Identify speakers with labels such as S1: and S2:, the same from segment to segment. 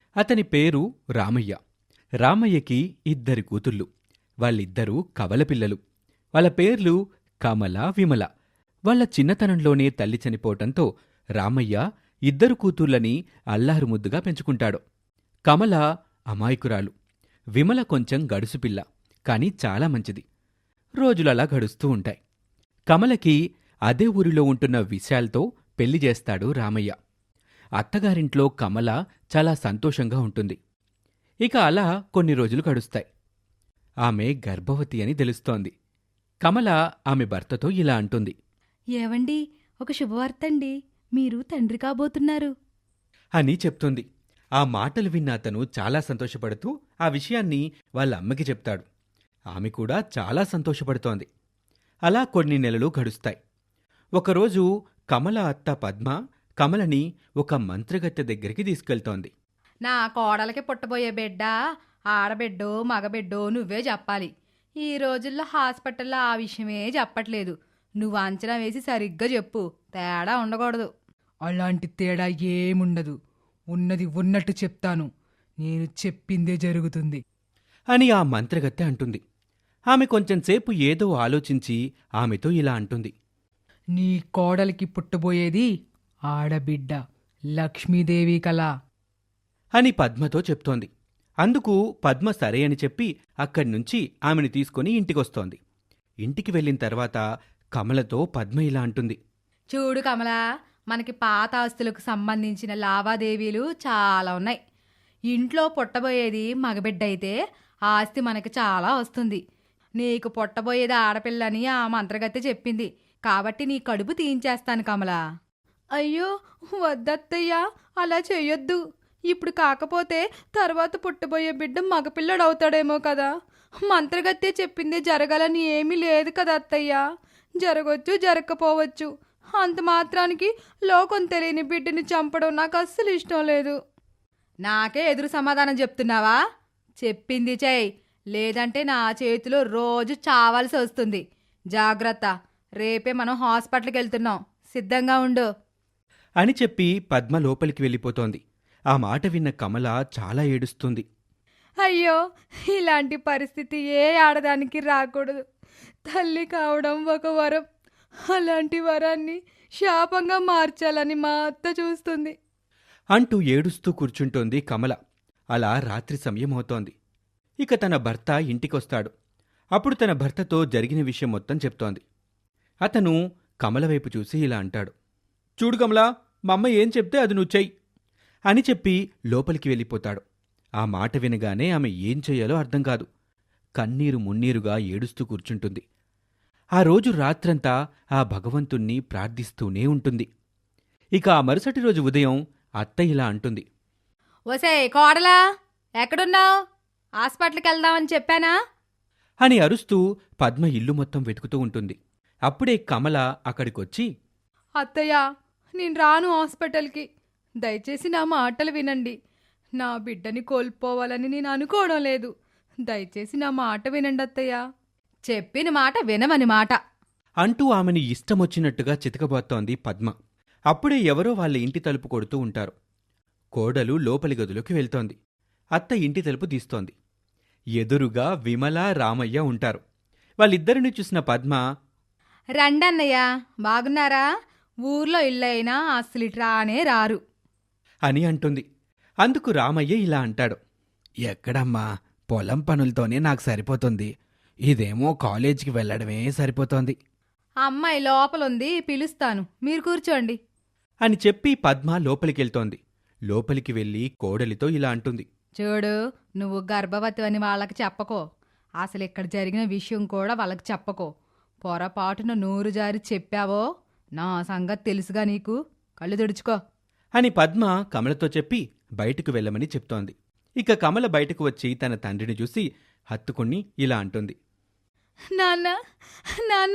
S1: అతని పేరు రామయ్య. రామయ్యకి 2 కూతుళ్ళు. వాళ్ళిద్దరూ కవలపిల్లలు. వాళ్ళ పేర్లు కమల, విమల. వాళ్ళ చిన్నతనంలోనే తల్లి చనిపోవటంతో రామయ్య 2 కూతుర్లని అల్లారుముద్దుగా పెంచుకుంటాడు. కమల అమాయకురాలు, విమల కొంచెం గడుసుపిల్ల, కాని చాలా మంచిది. రోజులలా గడుస్తూ ఉంటాయి. కమలకి అదే ఊరిలో ఉంటున్న విశాల్తో పెళ్లి చేస్తాడు రామయ్య. అత్తగారింట్లో కమల చాలా సంతోషంగా ఉంటుంది. ఇక అలా కొన్ని రోజులు గడుస్తాయి. ఆమె గర్భవతి అని తెలుస్తోంది. కమల ఆమె భర్తతో ఇలా అంటుంది.
S2: ఏవండి, ఒక శుభవార్తండి, మీరు తండ్రి కాబోతున్నారు
S1: అని చెప్తుంది. ఆ మాటలు విన్న అతను చాలా సంతోషపడుతూ ఆ విషయాన్ని వాళ్ళ అమ్మకి చెప్తాడు. ఆమె కూడా చాలా సంతోషపడుతోంది. అలా కొన్ని నెలలు గడుస్తాయి. ఒకరోజు కమల అత్త పద్మ కమలని ఒక మంత్రగత్తె దగ్గరికి తీసుకెళ్తోంది.
S2: నా కోడలకి పుట్టబోయే బిడ్డ ఆడబిడ్డో మగబిడ్డో నువ్వే చెప్పాలి. ఈ రోజుల్లో హాస్పిటల్లో ఆ విషయమే చెప్పట్లేదు. నువ్వు అంచనా వేసి సరిగ్గా చెప్పు, తేడా ఉండకూడదు.
S3: అలాంటి తేడా ఏముండదు. ఉన్నది ఉన్నట్టు చెప్తాను. నేను చెప్పిందే జరుగుతుంది
S1: అని ఆ మంత్రగత్తె అంటుంది. ఆమె కొంచెంసేపు ఏదో ఆలోచించి ఆమెతో ఇలా అంటుంది.
S3: నీ కోడలికి పుట్టబోయేది ఆడబిడ్డ, లక్ష్మీదేవి కళ.
S1: అని పద్మతో చెప్తోంది. అందుకు పద్మ సరే అని చెప్పి అక్కడ్నుంచి ఆమెను తీసుకుని ఇంటికొస్తోంది. ఇంటికి వెళ్ళిన తర్వాత కమలతో పద్మ ఇలా అంటుంది.
S2: చూడు కమలా, మనకి పాత ఆస్తులకు సంబంధించిన లావాదేవీలు చాలా ఉన్నాయి. ఇంట్లో పుట్టబోయేది మగబిడ్డ అయితే ఆస్తి మనకి చాలా వస్తుంది. నీకు పుట్టబోయేది ఆడపిల్లని ఆ మంత్రగత్తె చెప్పింది. కాబట్టి నీ కడుపు తీయించేస్తాను కమలా. అయ్యో వద్దత్తయ్యా, అలా చెయ్యొద్దు. ఇప్పుడు కాకపోతే తర్వాత పుట్టబోయే బిడ్డ మగపిల్లడవుతాడేమో కదా. మంత్రగత్తె చెప్పిందే జరగాలని ఏమీ లేదు కదా అత్తయ్యా. జరగొచ్చు, జరగకపోవచ్చు. అంత మాత్రానికి లోకం తెలియని బిడ్డని చంపడం నాకు అస్సలు ఇష్టం లేదు. నాకే ఎదురు సమాధానం చెప్తున్నావా? చెప్పింది చెయ్యి, లేదంటే నా చేతిలో రోజు చావాల్సి వస్తుంది. జాగ్రత్త, రేపే మనం హాస్పిటల్కి వెళ్తున్నాం, సిద్ధంగా ఉండు
S1: అని చెప్పి పద్మ లోపలికి వెళ్ళిపోతోంది. ఆ మాట విన్న కమల చాలా ఏడుస్తుంది.
S2: అయ్యో, ఇలాంటి పరిస్థితి ఏ ఆడదానికి రాకూడదు. తల్లి కావడం ఒక వరం. అలాంటి వరాన్ని శాపంగా మార్చాలని మా అత్త చూస్తుంది
S1: అంటూ ఏడుస్తూ కూర్చుంటోంది కమల. అలా రాత్రి సమయం అవుతోంది. ఇక తన భర్త ఇంటికొస్తాడు. అప్పుడు తన భర్తతో జరిగిన విషయం మొత్తం చెప్తోంది. అతను కమల వైపు చూసి ఇలా అంటాడు. చూడు కమలా, మా అమ్మ ఏం చెప్తే అది నువ్వు చెయ్యి అని చెప్పి లోపలికి వెళ్ళిపోతాడు. ఆ మాట వినగానే ఆమె ఏం చెయ్యాలో అర్థం కాదు. కన్నీరు మున్నీరుగా ఏడుస్తూ కూర్చుంటుంది. ఆ రోజు రాత్రంతా ఆ భగవంతుణ్ణి ప్రార్థిస్తూనే ఉంటుంది. ఇక ఆ మరుసటి రోజు ఉదయం అత్త ఇలా అంటుంది.
S2: ఒసే కోడలా, ఎక్కడున్నావు? హాస్పిటల్కి వెళ్దామని చెప్పానా?
S1: అని అరుస్తూ పద్మ ఇల్లు మొత్తం వెతుకుతూ ఉంటుంది. అప్పుడే కమల అక్కడికొచ్చి,
S2: అత్తయ్య, నేను రాను హాస్పిటల్కి. దయచేసి నా మాటలు వినండి. నా బిడ్డని కోల్పోవాలని నేను అనుకోవడం లేదు. దయచేసి నా మాట వినండి అత్తయ్య. చెప్పిన మాట వినమని మాట
S1: అంటూ ఆమెను ఇష్టమొచ్చినట్టుగా చితకబోతోంది పద్మ. అప్పుడే ఎవరో వాళ్ళ ఇంటి తలుపు కొడుతూ ఉంటారు. కోడలు లోపలి గదిలోకి వెళ్తోంది. అత్త ఇంటి తలుపు తీస్తోంది. ఎదురుగా విమల, రామయ్య ఉంటారు. వాళ్ళిద్దరిని చూసిన పద్మ,
S2: రండన్నయ్య, బాగున్నారా? ఊర్లో ఇల్లైనా అసలు రానే రారు
S1: అని అంటుంది. అందుకు రామయ్య ఇలా అంటాడు. ఎక్కడమ్మా, పొలం పనులతోనే నాకు సరిపోతుంది. ఇదేమో కాలేజీకి వెళ్లడమే సరిపోతోంది
S2: అమ్మాయి లోపలుంది, పిలుస్తాను, మీరు కూర్చోండి
S1: అని చెప్పి పద్మ లోపలికెళ్తోంది. లోపలికి వెళ్ళి కోడలితో ఇలా అంటుంది.
S2: చూడు, నువ్వు గర్భవతి అని వాళ్ళకి చెప్పకో. అసలు ఇక్కడ జరిగిన విషయం కూడా వాళ్ళకి చెప్పకో. పొరపాటున నోరు జారి చెప్పావో నా సంగతి తెలుసుగా నీకు. కళ్ళు తుడుచుకో
S1: అని పద్మ కమలతో చెప్పి బయటకు వెళ్ళమని చెప్తోంది. ఇక కమల బయటకు వచ్చి తన తండ్రిని చూసి హత్తుకుని ఇలా అంటుంది.
S2: నాన్న, నాన్న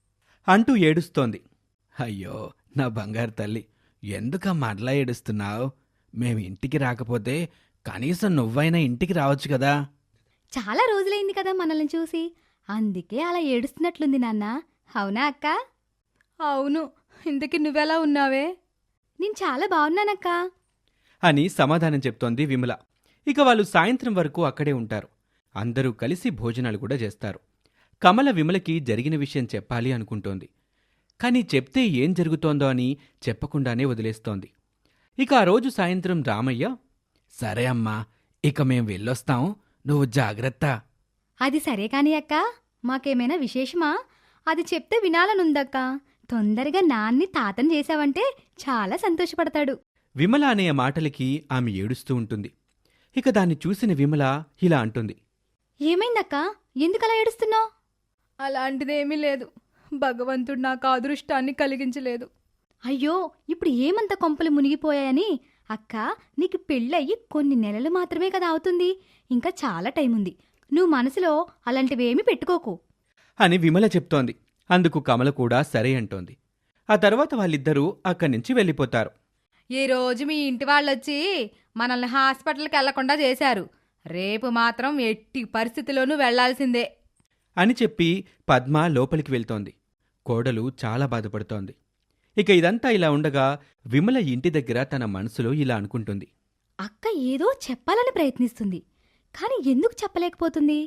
S1: అంటూ ఏడుస్తోంది. అయ్యో నా బంగారు తల్లి, ఎందుకమ్మా అట్లా ఏడుస్తున్నావు? మేం ఇంటికి రాకపోతే కనీసం నువ్వైనా ఇంటికి రావచ్చు కదా.
S4: చాలా రోజులైంది కదా మనల్ని చూసి, అందుకే అలా ఏడుస్తున్నట్లుంది నాన్న. అవునా అక్క?
S2: అవును, ఇంతకీ నువ్వెలా ఉన్నావే?
S4: నేను చాలా బాగున్నానక్క.
S1: అని సమాధానం చెప్తోంది విమల. ఇక వాళ్ళు సాయంత్రం వరకు అక్కడే ఉంటారు. అందరూ కలిసి భోజనాలు కూడా చేస్తారు. కమల విమలకి జరిగిన విషయం చెప్పాలి అనుకుంటోంది. కాని చెప్తే ఏం జరుగుతోందో అని చెప్పకుండానే వదిలేస్తోంది. ఇక ఆ రోజు సాయంత్రం రామయ్య, సరే అమ్మా, ఇక మేం వెళ్ళొస్తాం, నువ్వు జాగ్రత్త.
S4: అది సరే కాని అక్క, మాకేమైనా విశేషమా? అది చెప్తే వినాలనుందక్క. తొందరగా నాన్ని తాతని చేశావంటే చాలా సంతోషపడతాడు.
S1: విమల అనే మాటలకి ఆమె ఏడుస్తూ ఉంటుంది. ఇక దాన్ని చూసిన విమల ఇలా అంటుంది.
S4: ఏమైందక్క? ఎందుకలా ఏడుస్తున్నావు?
S2: అలాంటిదేమీ లేదు. భగవంతుడు నాకు అదృష్టాన్ని కలిగించలేదు.
S4: అయ్యో, ఇప్పుడు ఏమంత కొంపలు మునిగిపోయాయని? అక్క, నీకు పెళ్ళయి కొన్ని నెలలు మాత్రమే కదా అవుతుంది. ఇంకా చాలా టైం ఉంది. నువ్వు మనసులో అలాంటివేమీ పెట్టుకోకు
S1: అని విమల చెప్తోంది. అందుకు కమల కూడా సరే అంటోంది. ఆ తర్వాత వాళ్ళిద్దరూ అక్కడి నుంచి వెళ్ళిపోతారు.
S2: ఈ రోజు మీ ఇంటి వాళ్ళొచ్చి మనల్ని హాస్పిటల్కి వెళ్లకుండా చేశారు. రేపు మాత్రం ఎట్టి పరిస్థితిలోనూ వెళ్లాల్సిందే
S1: అని చెప్పి పద్మ లోపలికి వెళ్తోంది. కోడలు చాలా బాధపడుతోంది. ఇక ఇదంతా ఇలా ఉండగా విమల ఇంటి దగ్గర తన మనసులో ఇలా అనుకుంటుంది.
S4: అక్క ఏదో చెప్పాలని ప్రయత్నిస్తుంది, కాని ఎందుకు చెప్పలేకపోతుంది?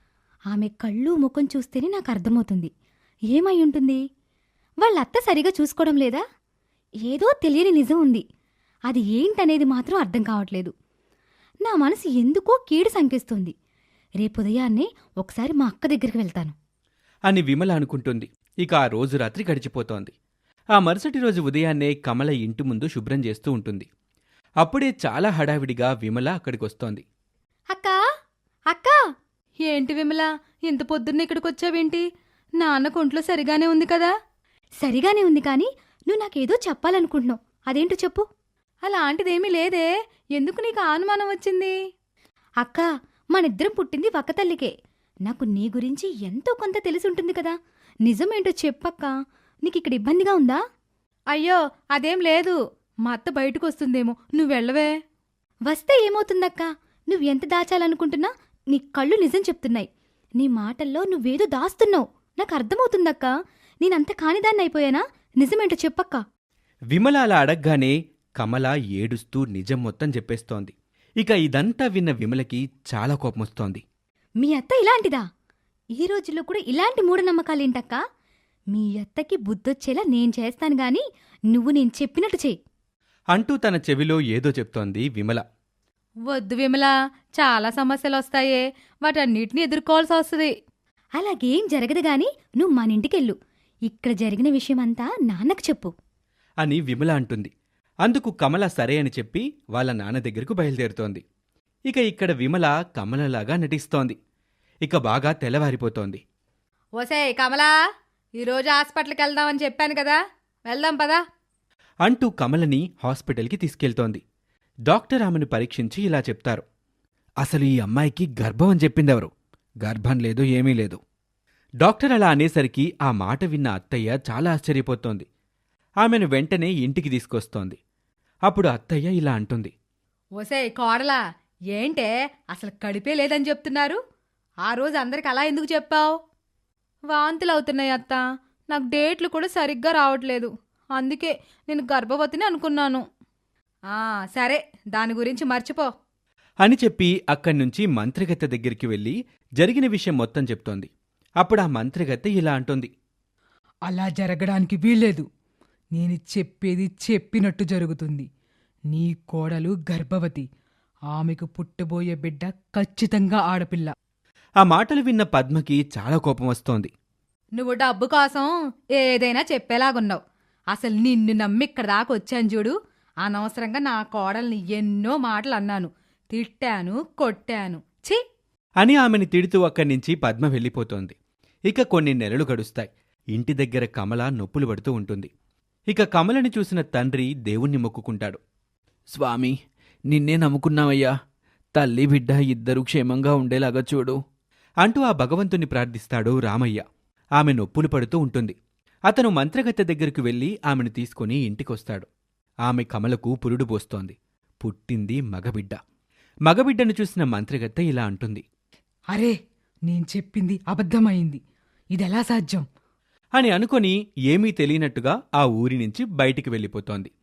S4: ఆమె కళ్ళు ముఖం చూస్తేనే నాకు అర్థమవుతుంది. ఏమై ఉంటుంది? వాళ్ళత్త సరిగా చూసుకోవడం లేదా? ఏదో తెలియని నిజం ఉంది. అది ఏంటనేది మాత్రం అర్థం కావట్లేదు. నా మనసు ఎందుకో కీడు సంకేస్తుంది. రేపు ఉదయాన్నే ఒకసారి మా అక్క దగ్గరికి వెళ్తాను
S1: అని విమల అనుకుంటుంది. ఇక ఆ రోజు రాత్రి గడిచిపోతోంది. ఆ మరుసటి రోజు ఉదయాన్నే కమల ఇంటి ముందు శుభ్రం చేస్తూ ఉంటుంది. అప్పుడే చాలా హడావిడిగా విమల అక్కడికొస్తోంది.
S4: అక్కా, అక్కా!
S2: ఏంటి విమల, ఇంత పొద్దున్న ఇక్కడికొచ్చావేంటి? నాన్నకు ఒంట్లో సరిగానే ఉంది కదా?
S4: సరిగానే ఉంది, కాని నువ్వు నాకేదో చెప్పాలనుకుంటున్నావు. అదేంటో చెప్పు.
S2: అలాంటిదేమీ లేదే. ఎందుకు నీకు అనుమానం వచ్చింది?
S4: అక్కా, మనిద్దరం పుట్టింది ఒక్కతల్లికే. నాకు నీ గురించి ఎంతో కొంత తెలిసుంటుంది కదా. నిజమేంటో చెప్పక్కా. నీకిక్కడ ఇబ్బందిగా ఉందా?
S2: అయ్యో, అదేం లేదు. మా అత్త బయటకొస్తుందేమో, నువ్వెళ్ళవే.
S4: వస్తే ఏమవుతుందక్కా? నువ్వెంత దాచాలనుకుంటున్నా నీ కళ్ళు నిజం చెప్తున్నాయి. నీ మాటల్లో నువ్వేదో దాస్తున్నావు. నాకు అర్థమవుతుందక్కా. నేనంత కానిదాన్నైపోయానా? నిజమేంటో చెప్పక్కా.
S1: విమల అలా అడగ్గానే కమల ఏడుస్తూ నిజం మొత్తం చెప్పేస్తోంది. ఇక ఇదంతా విన్న విమలకి చాలా కోపమొస్తోంది.
S4: మీ అత్త ఇలాంటిదా? ఈ రోజుల్లో కూడా ఇలాంటి మూఢనమ్మకాలేంటక్కా? మీ అత్తకి బుద్ధొచ్చేలా నేను చేస్తాను గాని నువ్వు నేను చెప్పినట్టు చెయ్యి
S1: అంటూ తన చెవిలో ఏదో చెప్తోంది విమల.
S2: వద్దు విమల, చాలా సమస్యలొస్తాయే. వాటన్నిటిని ఎదుర్కోవాల్సి వస్తుంది.
S4: అలాగేం జరగదు గాని నువ్వు మనింటికెళ్ళు. ఇక్కడ జరిగిన విషయమంతా నాన్నకు చెప్పు
S1: అని విమల అంటుంది. అందుకు కమల సరే అని చెప్పి వాళ్ళ నాన్న దగ్గరకు బయలుదేరుతోంది. ఇక ఇక్కడ విమల కమలలాగా నటిస్తోంది. ఇక బాగా తెల్లవారిపోతోంది.
S2: ఓసేయ్ కమలా, ఈరోజు హాస్పిటల్కి వెళ్దామని చెప్పాను కదా, వెళ్దాం పదా
S1: అంటూ కమలని హాస్పిటల్కి తీసుకెళ్తోంది. డాక్టర్ ఆమెను పరీక్షించి ఇలా చెప్తారు. అసలు ఈ అమ్మాయికి గర్భం అని చెప్పిందెవరు? గర్భం లేదు, ఏమీ లేదు. డాక్టర్ అలా అనేసరికి ఆ మాట విన్న అత్తయ్య చాలా ఆశ్చర్యపోతోంది. ఆమెను వెంటనే ఇంటికి తీసుకొస్తోంది. అప్పుడు అత్తయ్య ఇలా అంటుంది.
S2: ఓసేయ్ కోడలా, ఏంటే అసలు కడిపే లేదని చెప్తున్నారు? ఆ రోజు అందరికి అలా ఎందుకు చెప్పావు? వాంతులవుతున్నాయి అత్త. నాకు డేట్లు కూడా సరిగ్గా రావట్లేదు. అందుకే నేను గర్భవతిని అనుకున్నాను. సరే, దాని గురించి మర్చిపో
S1: అని చెప్పి అక్కడ్నుంచి మంత్రిగత్తె దగ్గరికి వెళ్ళి జరిగిన విషయం మొత్తం చెప్తోంది. అప్పుడు ఆ మంత్రిగత్తె ఇలా అంటుంది.
S3: అలా జరగడానికి వీల్లేదు. నేను చెప్పేది చెప్పినట్టు జరుగుతుంది. నీ కోడలు గర్భవతి. ఆమెకు పుట్టబోయే బిడ్డ ఖచ్చితంగా ఆడపిల్ల.
S1: ఆ మాటలు విన్న పద్మకి చాలా కోపం వస్తోంది.
S2: నువ్వు డబ్బు కోసం ఏదైనా చెప్పేలాగున్నావు. అసలు నిన్ను నమ్మి ఇక్కడ దాకా వచ్చాను చూడు. అనవసరంగా నా కోడల్ని ఎన్నో మాటలు అన్నాను, తిట్టాను, కొట్టాను. ఛీ
S1: అని ఆమెని తిడుతూ అక్కడ్నుంచి పద్మ వెళ్ళిపోతోంది. ఇక కొన్ని నెలలు గడుస్తాయి. ఇంటి దగ్గర కమల నొప్పులు పడుతూ ఉంటుంది. ఇక కమలని చూసిన తండ్రి దేవుణ్ణి మొక్కుకుంటాడు. స్వామి, నిన్నే నమ్ముకున్నావయ్యా. తల్లి బిడ్డ ఇద్దరూ క్షేమంగా ఉండేలాగా చూడు అంటూ ఆ భగవంతుని ప్రార్థిస్తాడు రామయ్య. ఆమె నొప్పులు పడుతూ ఉంటుంది. అతను మంత్రగత్తె దగ్గరకు వెళ్ళి ఆమెను తీసుకుని ఇంటికొస్తాడు. ఆమె కమలకు పురుడు పోస్తోంది. పుట్టింది మగబిడ్డ. మగబిడ్డను చూసిన మంత్రగత్తె ఇలా అంటుంది.
S3: అరే, నేను చెప్పింది అబద్ధమైంది. ఇదెలా సాధ్యం?
S1: అని అనుకొని ఏమీ తెలియనట్టుగా ఆ ఊరి నుంచి బయటికి వెళ్ళిపోతోంది.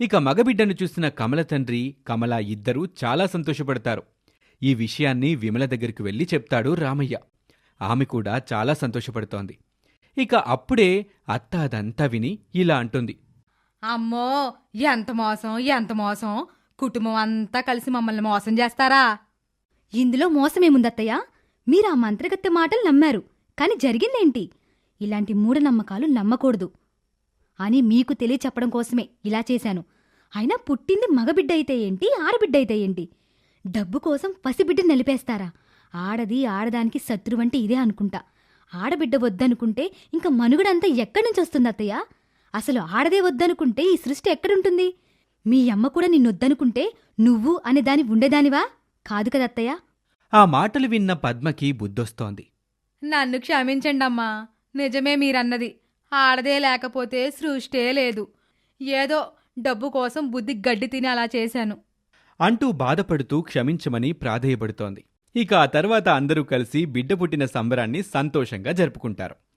S1: ఇక మగబిడ్డను చూసిన కమల తండ్రి కమల ఇద్దరూ చాలా సంతోషపడతారు. ఈ విషయాన్ని విమల దగ్గరికి వెళ్లి చెప్తాడు రామయ్య. ఆమె కూడా చాలా సంతోషపడుతోంది. ఇక అప్పుడే అత్త అదంతా విని ఇలా అంటుంది.
S2: అమ్మో, ఎంత మోసం, ఎంత మోసం! కుటుంబం అంతా కలిసి మమ్మల్ని మోసం చేస్తారా?
S4: ఇందులో మోసమేముందత్తయ్య? మీరు ఆ మంత్రగత్తె మాటలు నమ్మారు, కాని జరిగిందేంటి? ఇలాంటి మూఢనమ్మకాలు నమ్మకూడదు అని మీకు తెలియచెప్పడం కోసమే ఇలా చేశాను. అయినా పుట్టింది మగబిడ్డ అయితే ఏంటి, ఆడబిడ్డ అయితే ఏంటి? డబ్బు కోసం పసిబిడ్డ నిలిపేస్తారా? ఆడది ఆడదానికి శత్రువంటే ఇదే అనుకుంటా. ఆడబిడ్డ వద్దనుకుంటే ఇంక మనుగడంతా ఎక్కడి నుంచి వస్తుంది అత్తయ్య? అసలు ఆడదే వద్దనుకుంటే ఈ సృష్టి ఎక్కడుంటుంది? మీ అమ్మ కూడా నిన్నొద్దనుకుంటే నువ్వు అనే దాని ఉండేదానివా? కాదు కదత్తయ్య.
S1: ఆ మాటలు విన్న పద్మకి బుద్ధొస్తోంది.
S2: నన్ను క్షమించండమ్మా. నిజమే మీరన్నది. ఆడదే లేకపోతే సృష్టే లేదు. ఏదో డబ్బు కోసం బుద్ధి గడ్డి తిని అలా చేశాను
S1: అంటూ బాధపడుతూ క్షమించమని ప్రాధేయపడుతోంది. ఇక ఆ తర్వాత అందరూ కలిసి బిడ్డ పుట్టిన సంబరాన్ని సంతోషంగా జరుపుకుంటారు.